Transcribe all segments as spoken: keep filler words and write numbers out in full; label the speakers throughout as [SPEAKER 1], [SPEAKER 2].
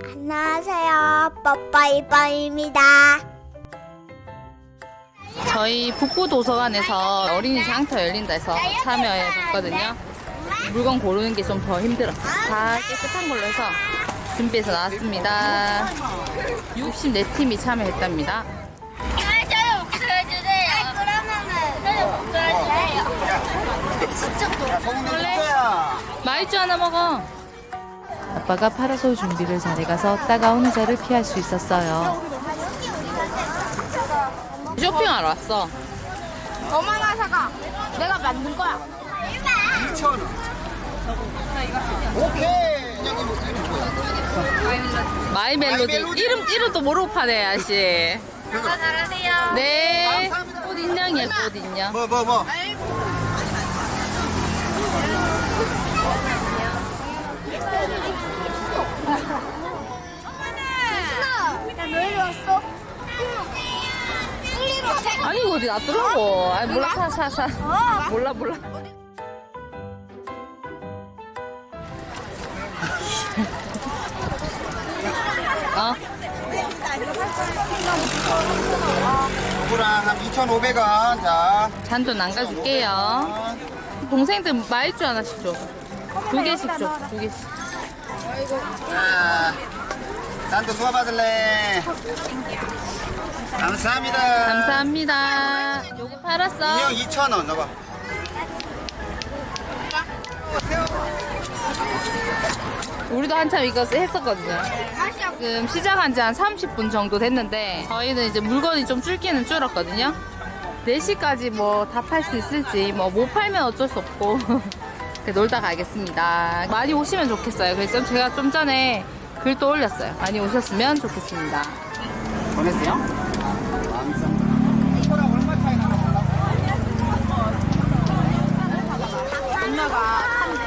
[SPEAKER 1] 안녕하세요. 뽀뽀이뽀입니다.
[SPEAKER 2] 저희 북부도서관에서 어린이 장터 열린다 해서 참여해 봤거든요. 물건 고르는 게 좀 더 힘들었어요. 다 깨끗한 걸로 해서 준비해서 나왔습니다. 육십사 팀이 참여했답니다.
[SPEAKER 1] 저는 목소리주세요. 그러면은 저는 목소리주세요.
[SPEAKER 2] 마이쮸 하나 먹어. 아빠가 파라솔 준비를 잘해가서 따가운 의자를 피할 수 있었어요. 쇼핑하러 왔어.
[SPEAKER 1] 얼마나 사가? 내가 만든 거야.
[SPEAKER 3] 이천 원. 오케이. 여기 뭐 이름 뭐야?
[SPEAKER 2] 마이 멜로디.
[SPEAKER 3] 멜로디.
[SPEAKER 2] 이름, 이름도 모르고 파네, 아저씨.
[SPEAKER 1] 잘하세요.
[SPEAKER 2] 네. 꽃 인형이야, 꽃 인형.
[SPEAKER 3] 뭐 뭐 뭐.
[SPEAKER 1] 야, 너 이리 왔어? 일리로 와.
[SPEAKER 2] 아니, 이거 어디 놔두라고. 아니, 몰라, 사, 사, 사. 몰라, 몰라. 어?
[SPEAKER 3] 누구랑 한 이천오백 원. 자.
[SPEAKER 2] 잔도 남가줄게요. 동생들 마일주 하나씩 줘. 두 개씩 줘, 두 개씩.
[SPEAKER 3] 자. 난또 누가 받을래? 감사합니다.
[SPEAKER 2] 감사합니다. 요거 팔았어.
[SPEAKER 3] 인형 이천 원 넣어봐.
[SPEAKER 2] 우리도 한참 이거 했었거든요. 지금 시작한 지 한 삼십 분 정도 됐는데 저희는 이제 물건이 좀 줄기는 줄었거든요. 네 시까지 뭐 다 팔 수 있을지 뭐 못 팔면 어쩔 수 없고 놀다 가겠습니다. 많이 오시면 좋겠어요. 그래서 제가 좀 전에 글도 올렸어요. 많이 오셨으면 좋겠습니다.
[SPEAKER 3] 보냈어요? 이거랑 얼마 차이 나나 몰라?
[SPEAKER 1] 엄마가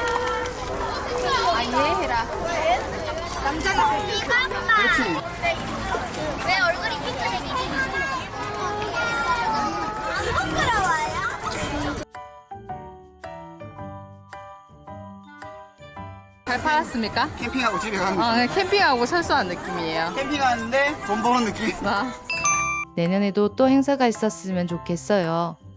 [SPEAKER 1] 아 이해해라. 남자가
[SPEAKER 3] 그렇지.
[SPEAKER 1] 내 얼굴이 핑크색이지? 부끄러워요?
[SPEAKER 2] 잘 팔았습니까?
[SPEAKER 3] 캠핑하고 집에 가는
[SPEAKER 2] 아, 그냥 캠핑하고 철수한 느낌이에요.
[SPEAKER 3] 캠핑 하는데 돈 버는 느낌.
[SPEAKER 2] 내년에도 또 행사가 있었으면 좋겠어요.